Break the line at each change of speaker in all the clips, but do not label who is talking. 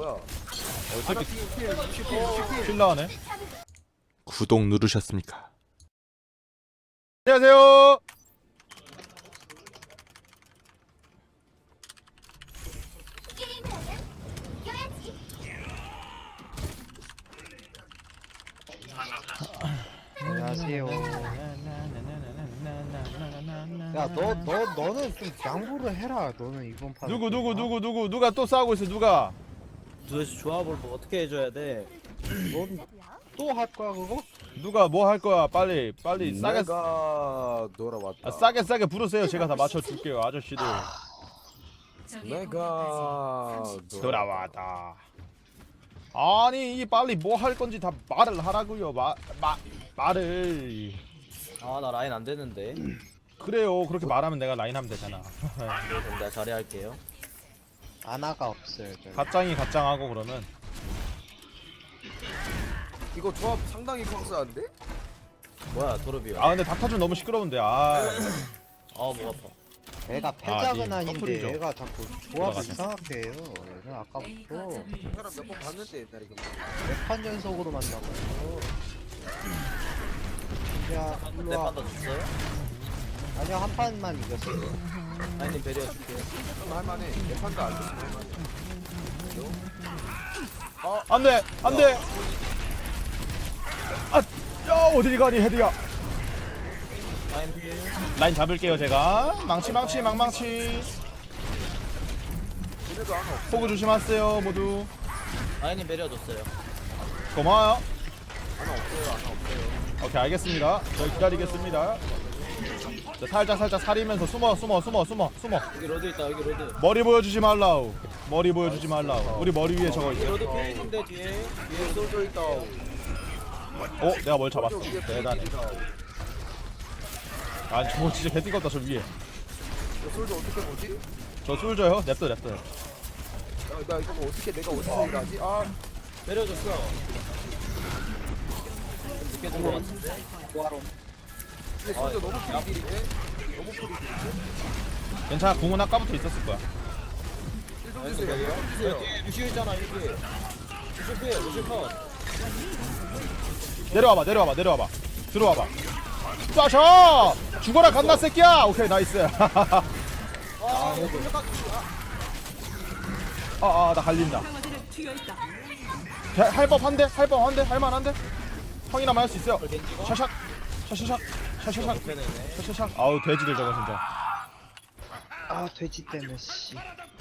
뭐야?
새끼
피.
킬 나가네.
구독 누르셨습니까?
안녕하세요.
안녕하세요. 야, 너는 좀 양보를 해라. 너는 이번 판.
누가 또 싸우고 있어? 누가?
도대체 조합을 뭐 어떻게 해줘야 돼?
넌또 할 거야 그거?
누가 뭐 할 거야? 빨리 싸게
내가 돌아왔다.
싸게 부르세요. 제가 다 맞춰 줄게요, 아저씨들.
내가
돌아왔다. 아니, 이 빨리 뭐 할 건지 다 말을 하라고요. 말을.
아 나 라인 안 되는데.
그래요. 그렇게 말하면 내가 라인 하면 되잖아.
그럼 내가 자리할게요.
아나가 없어요. 저기.
가짱하고 그러면.
이거 조합 상당히 펑스한데?
뭐야 도르비야.
아 근데 닥터준 너무 시끄러운데. 아.
목 아파.
애가 패작은
님
아닌데
커플이죠.
애가 자꾸 조합을
돌아가자.
이상하게 해요. 얘는 아까부터
사람 몇 번 봤는데 옛날에 그
몇판 연속으로 만나고요. 야, 일로
내
와.
판다 줬어요?
아니요, 한 판만 이겼어요.
라인님 배려 줄게요.
할만해. 내 판도 안 돼.
안돼. 아, 야 어디 가니 헤드야.
라인 필.
라인 잡을게요 제가. 망치.
얘네도 하나 없어.
호구 조심하세요 모두.
라인님 배려 줬어요.
고마워요.
하나 없어요.
오케이 알겠습니다. 저 기다리겠습니다. 자, 살짝 사리면서 숨어.
여기 로드 있다. 여기 로드.
머리 보여주지 말라우. 우리 머리 위에 저거
여기
있어.
로드 필인데 뒤에.
위에 솔져 있다.
내가 뭘 잡았어.
위에
대단해.
필이다.
아 저거 진짜 개띠껍다 저 위에.
저 솔져 어떻게 보지?
저 솔져요? 냅둬.
나 이거 뭐 어떻게 내가 어디서 일하지? 아,
배려 줬어. 좀 늦게 준거 같은데.
근데 솔져 너무 프리딜인데? 너무 프리딜인데?
괜찮아. 궁은 아까부터 있었을 거야.
좀 주세요.
뒤에 루시오 있잖아 여기. 루시오 필. 루시오 컷.
내려와봐. 들어와봐. 쏴셔! 죽어라 갓나 새끼야! 오케이 나이스. 나 갈린다. 할법한데? 할만한데? 형이나마 할 수 있어요. 샤샥. 아우 돼지들 저거 진짜.
아, 돼지 때문에 씨.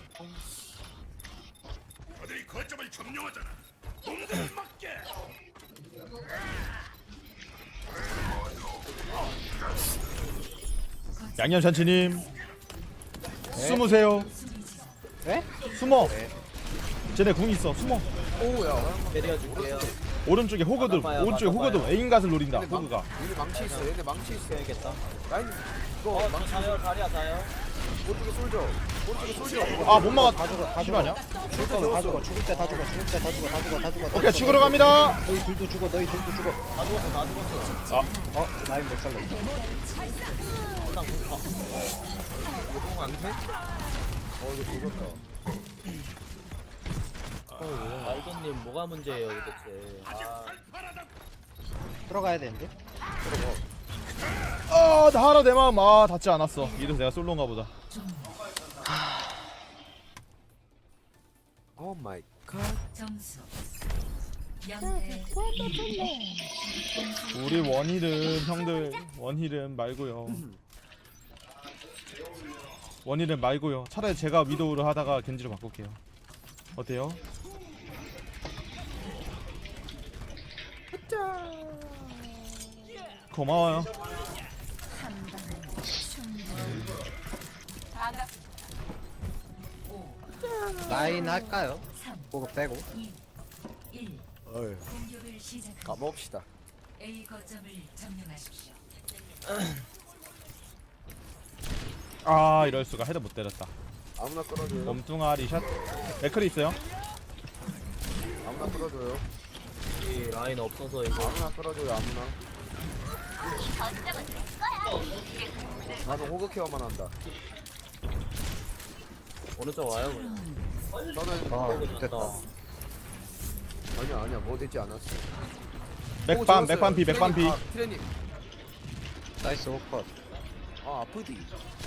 양념잔치님 숨으세요.
네?
숨어. 쟤네 궁 있어. 숨어.
오야.
배려 줄게요.
오른쪽에 호그들.
막아봐요,
오른쪽에
막아봐요.
호그들. 에임갓을 노린다. 호그가.
얘네 망치 있어. 얘네 망치 있어.
해야겠다.
라인 이거
저 자요. 다리야 자요.
오른쪽에 솔져.
아 못 막아.
다 죽어.
실화냐?
죽을 거면 다 죽어. 죽을 때 다 죽어.
오케이 죽으러 갑니다.
너희 둘도 죽어.
다 죽었어.
라인 못 살렸어.
일단 공 가.
이거 안 돼? 이거 죽었다.
말도님 뭐가 문제예요 도대체.
들어가야 되는데?
나 하나 내 마음 닿지 않았어. 이래서 내가 솔로인가 보다.
오 마이 갓.
점수 0대
우리 원힐은 형들 원힐은 말고요. 차라리 제가 위도우를 하다가 겐지로 바꿀게요. 어때요? 고마워요.
라인 할까요? 그거 빼고.
1
어휴.
공격을 시작합니다.
까먹읍시다.
A 거점을 점령하십시오.
이럴 수가. 헤드 못 때렸다.
아무나 끌어줘요.
몸뚱아리 샷. 맥클이 있어요.
아무나 끌어줘요.
이 라인 없어서 이거.
아무나 끌어줘요. 아무나. 나는 호그 케어만 한다.
오른쪽 와요 그냥.
저는
아, 됐다.
아니야 뭐 되지 않았어.
맥반피
트레님.
나이스 오컷.
아 아프디.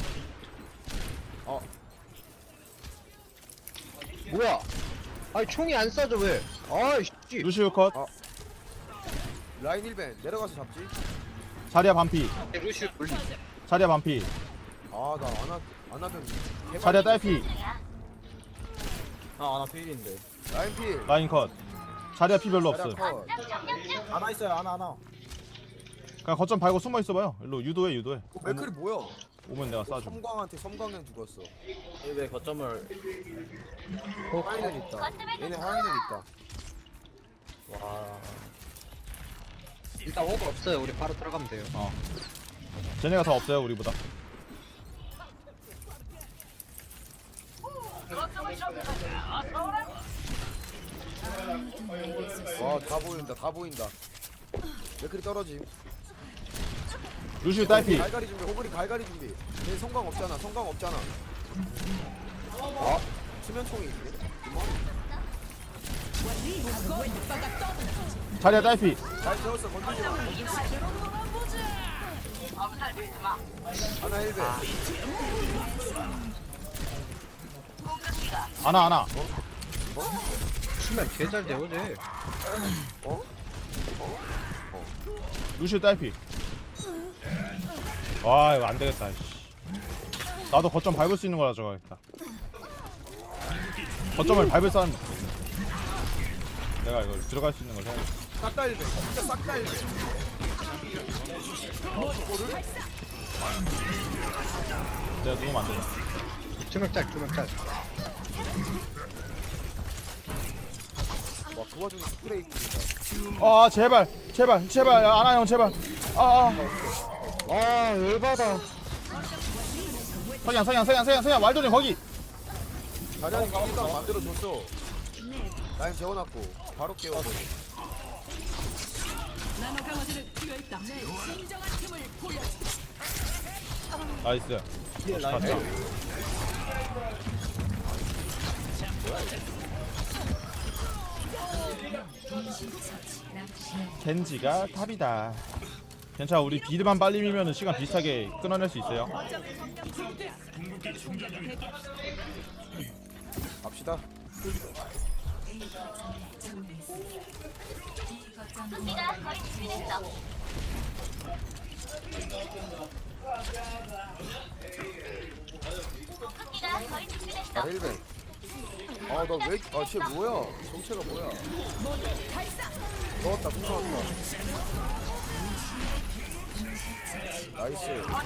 뭐야? 아니 총이 안 쏴져 왜? 아이씨.
루시우 컷.
라인 1벤 내려가서 잡지.
자리야 반피.
루시우 돌리.
자리야 반피.
아나 안하면
자리야 딸피.
아나 필인데.
라인 필.
라인 컷. 자리야 피 별로 없음.
자리야 컷.
하나 있어요. 하나.
그냥 거점 밟고 숨어 있어봐요. 일로 유도해.
맥클이 뭐야?
오면 내가 쏴줌.
섬광형 죽었어.
왜 거점을
하이는 있다. 얘네 하이는 있다.
와.
일단 오버 없어요. 우리 바로 들어가면 돼요.
쟤네가 더 없어요 우리보다.
와 다 보인다. 맥클이 떨어짐.
루시우 딸피.
갈갈이 준비. 호그리 갈갈이 준비. 얘 성광 없잖아. 수면총이 있네.
자리야 딸피.
잘 세웠어. 건들지 마. 하나 1배.
아나.
수면 개잘 되어 쟤.
루시우 딸피. 와 이거 안 되겠다. 씨. 나도 거점 밟을 수 있는 거라 저거겠다. 거점을 밟을 사람. 내가 이거 들어갈 수 있는 걸 해야겠다.
싹다 1배. 진짜 싹다 1배.
내가 누우면 안 되나?
투명짤.
와 그 와중에 스프레이 뿌린다.
아 제발 아나 형 제발.
아 열받아.
석양 왈도님 거기.
자리하니 거기다가 만들어줬어. 라인 재워놨고 바로 깨워서.
나이스.
뒤에 라인.
맞다. 겐지가 탑이다. 괜찮아 우리 비드만 빨리 밀면은 시간 비슷하게 끊어낼 수 있어요.
갑시다. 아 1배. 쟤 뭐야? 정체가 뭐야? 넣었다, 공 넣었다. 나이스.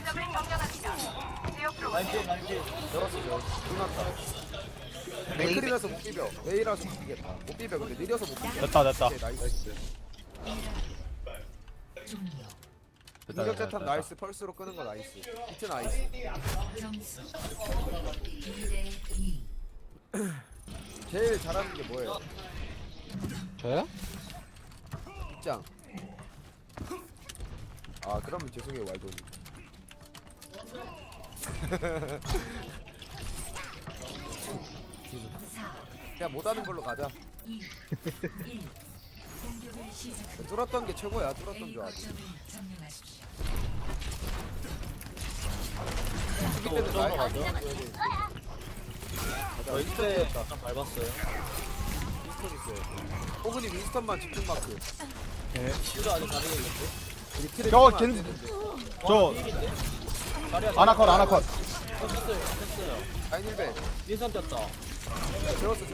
라인 필.
열었어. 끝났다. 맥클이라서 못 비벼. 웨이라서 못 비겠다. 못 비벼. 근데 느려서 못 비벼.
됐다.
오케이, 나이스. 공격 자탄 나이스. 펄스로 끄는 거 나이스. 히트 나이스.
점수 2대2.
제일 잘하는 게 뭐예요?
저요?
입장. 아 그러면 죄송해요 왈도님. 그냥 못하는 걸로 가자.
2, 1. 공격을 시작합니다.
뚫었던 게 최고야. 뚫었던
A
줄 알지.
거점을 점령하십시오.
죽일 때는 라인
가죠. 저희 때
윈스턴
약간 밟았어요.
있어요. 호그니 윈스턴만 집중 마크.
슈도 아직 가능했는데.
우리 트랩
저거
안
겐지-
되는데.
저
자리야.
아나컷.
됐어요.
라인 1배.
윈선 떴다.
재웠어.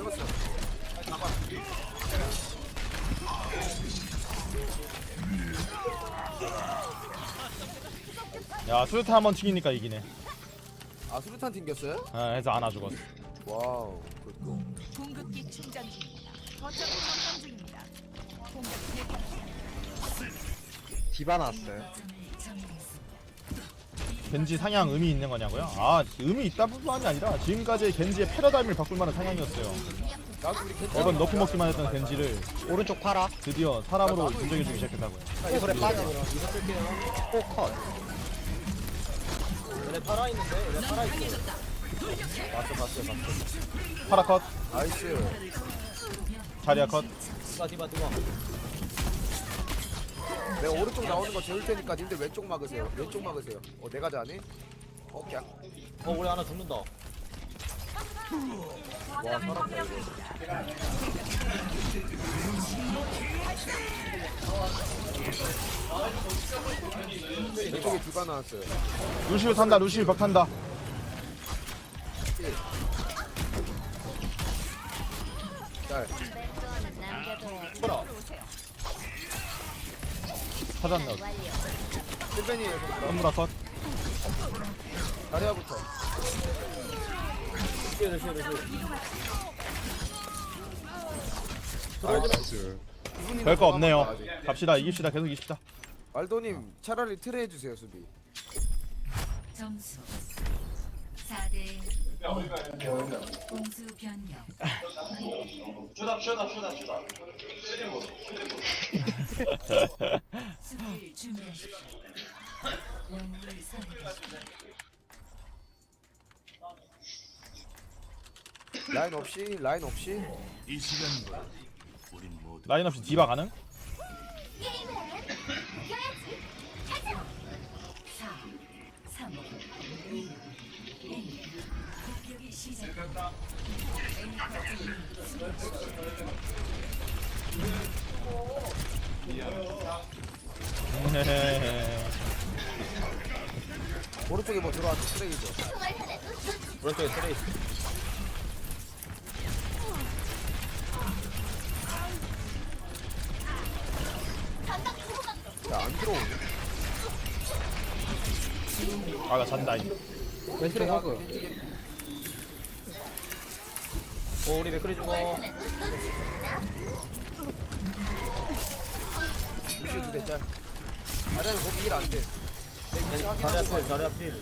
야 수류탄 한번 튀기니까 이기네.
아 수류탄 튕겼어요?
해서 아나 죽었어.
와우. 굿고.
공급기 충전 중입니다. 거점을 점검 중입니다. 공격 대기.
디바 나왔어요.
거점을 점령했습니다.
겐지 상향 의미 있는 거냐고요? 아 의미 있다 뿐만이 아니라 지금까지 겐지의 패러다임을 바꿀 만한 상향이었어요.
나도 우리 겐지.
매번 너프 먹기만 했던 겐지를
오른쪽 파라.
드디어 사람으로 인정해주기 시작했다고요.
오버에 빠져. 오컷.
얘네 살아있는데? 얘네 살아있어.
봤어.
파라 컷,
나이스.
자리아 컷.
디바.
내가 오른쪽 나오는 거 재울 테니까 님들 왼쪽 막으세요. 왼쪽 막으세요. 내가 자네? 오케이.
우리 하나 죽는다.
와 살았다 이거. 왼쪽에 디바 나왔어요.
루시우 탄다. 루시우 벽 탄다.
짤.
뭐라?
찾았네.
실벤이에요.
선물아 컷.
다리아부터.
루시.
이분이
별거
더
없네요.
남았다, 아직.
갑시다. 이깁시다. 계속 이깁시다.
말도님 차라리 틀에 해주세요 수비.
점수 4대 공수 변경. 수비를 준비하십시오. 영웅을 선택하십시오.
라인 없이.
라인 없이 디바 가능?
4, 3, 2, 1. 공격이 시작됩니다.
오른쪽에 뭐 들어왔죠 쓰레기죠.
오른쪽에 트레이스.
야안 들어오네.
아나 잔다. 이.
왼쪽 호그.
우리 맥크리 죽어.
루시우 두대 짤. 자리는 거기 일 안 돼.
자리 앞필.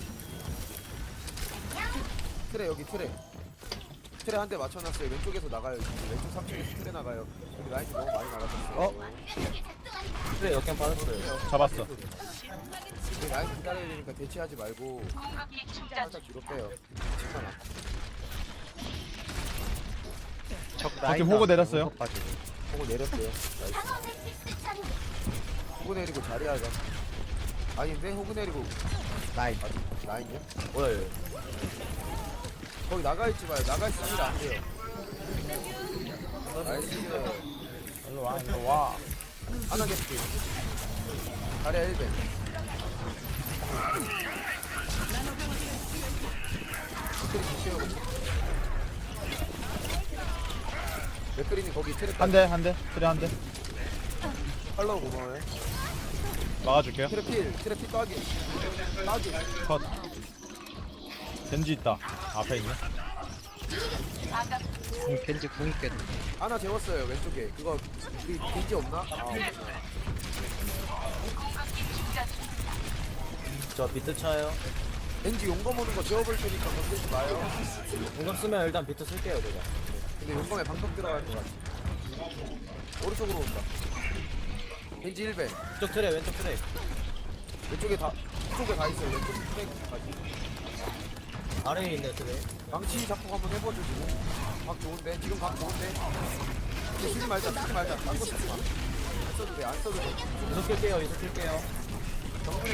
틀에 여기 틀에 한 대 맞춰놨어요. 왼쪽에서 나가요. 왼쪽 3층에서 틀에 나가요. 여기 라인이 너무 많이 나가셨어요.
트레 역행 빠졌어요.
잡았어.
여기 라인 기다려야 되니까 대치하지 말고 살짝 뒤로 빼요. 괜찮아.
저기 호그 내렸어요.
보고 내렸어요. 나이스. 호그 내리고 자리하자. 아닌데 호그 내리고
라인.
라인이야?
뭐야 얘.
거기 나가있지 마요. 나가있으면 일 안 돼요. 나이스.
일로 와. 일로 와.
하나 개피. 자리야 1배. 맥그린이 거기 트랩
한 대. 한 대. 트레 한 대.
팔로우 고마워요.
막아줄게요.
트랩 따기.
컷. 겐지 있다. 앞에 있네.
겐지 궁 있겠네.
하나 재웠어요 왼쪽에. 그거 우리 겐지 없나? 아 없네.
저 비트 차요.
겐지 용검 오는 거 재워볼 테니까 건들지 마요.
공격 쓰면 일단 비트 쓸게요 내가.
근데 용검에 방금 들어갈 것 같아. 오른쪽으로 온다. 겐지 1배.
왼쪽 트레 왼쪽 트레.
왼쪽에 다 있어요. 왼쪽 트랙까지.
아래에 있네 트레.
망치 작곡 한번 해보죠 지금. 각 좋은데 지금 각 좋은데. 이제 쓰지 말자. 딴거 쓰지 마. 안 써도 돼.
이속 킬게요 이속 킬게요.
정문에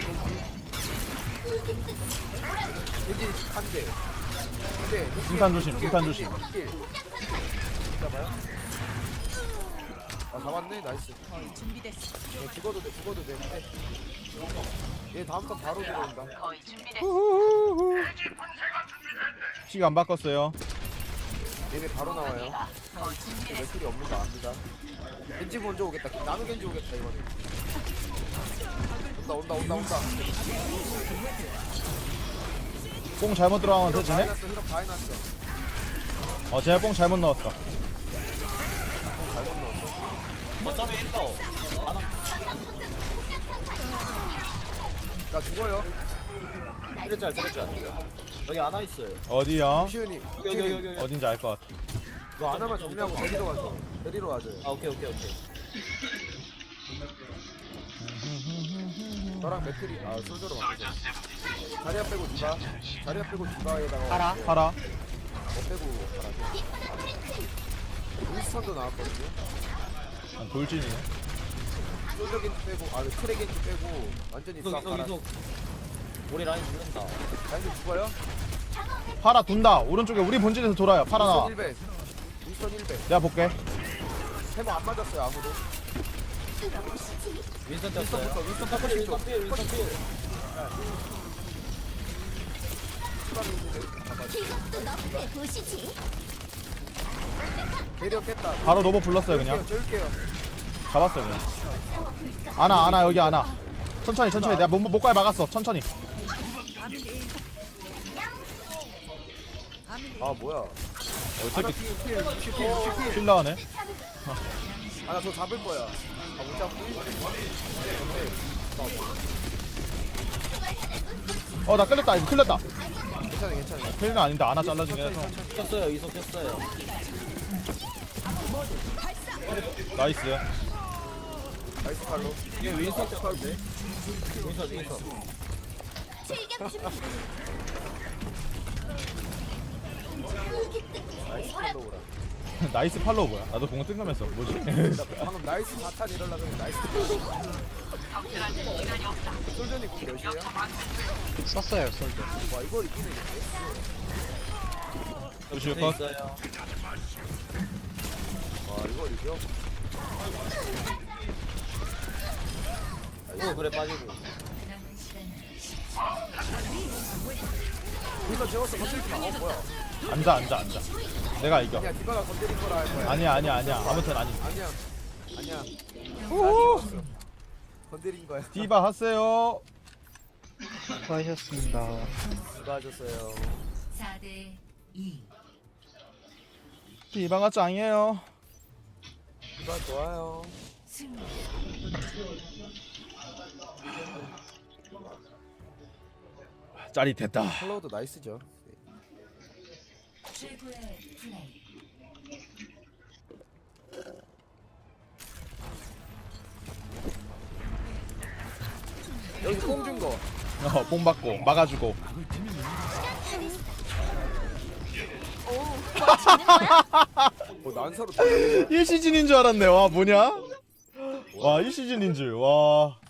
겐지 한 대. 근데
중탄 조심. 중탄 조심.
잡아요? 아 잡았네. 나이스.
거의 준비됐어.
죽어도 돼. 근데 얘 다음 턴 바로 들어온다.
거의 준비됐어.
시간 안 바꿨어요.
얘네 바로 나와요. 맥클이 없는 거 압니다. 겐지 먼저 오겠다. 나노 겐지 오겠다 이번에. 온다.
뽕 잘못 들어가면 되지네?
히럽 다 해놨어.
제가 뽕 잘못 넣었어.
잘못 넣었어.
어차피 있어.
나 죽어요.
트레 짤. 여기 하나 있어요.
어디요?
시윤이.
여기.
어딘지 알 것 같아.
너 하나만 정리하고 데리러 가죠. 데리러 와줘요.
아 오케이.
너랑 맥클이 솔저로 바꾸자. 자리야 빼고 디바에다가
파라.
빼고 가라죠. 윈스턴도 나왔거든요.
아, 돌진이네.
솔저 겐지 빼고 트랙 겐지 빼고 완전히 싹
이속
갈아.
이속. 우리 라인 죽는다.
라인도 죽어요?
파라 둔다. 오른쪽에 우리 본진에서 돌아요. 파라 나와.
윈스턴 1배. 윈스턴 1배.
내가 볼게.
해머 안 맞았어요 아무도.
윈선 떴어요.
윈스턴
윈선 필, 윈선 필, 윈선 필.
대려 깼다.
바로 노버 불렀어요 그냥.
쫄게요.
잡았어요 그냥. 아나 여기 아나. 천천히 내가 목까지 막았어. 천천히.
아 뭐야?
새끼
필.
킬 나가네.
아나 저 잡을 거야. 아못 잡고.
나 끌렸다. 이거 끌렸다.
괜찮아.
킬은 아닌데 아나 잘라진 게 해서.
켰어요. 이속 켰어요.
나이스.
나이스 칼로.
이게 윈선 켰는데. 윈선.
나이스 칼로우라.
나이스 팔로우 뭐야? 나도 공을 뜬금했어. 뭐지?
방금 나이스 4탄 이럴라 그러면 나이스. 솔전이 공 몇이에요?
썼어요 솔저.
와 이걸 이기네.
루시오
네,
컷.
있어요.
와 이걸 이겨?
또 그래 빠지고.
남은 시간
윈스턴 재웠어. 건들지 마. 뭐야?
앉아. 내가 이겨.
아니야 디바가 건드린 거라 할 거야.
아니야. 아무튼 아니.
아니야.
오!
건드린 거야.
디바 하세요.
수고하셨습니다.
수고하셨어요.
4대 2.
디바가 짱이에요.
디바 좋아요.
승리.
짜릿했다.
칼로우도 나이스죠.
최고의 플레이.
여기 뽕준 거.
뽕 받고 막아주고.
난사로
1시즌인 줄 알았네. 와 뭐냐? 와 1시즌인 줄. 와.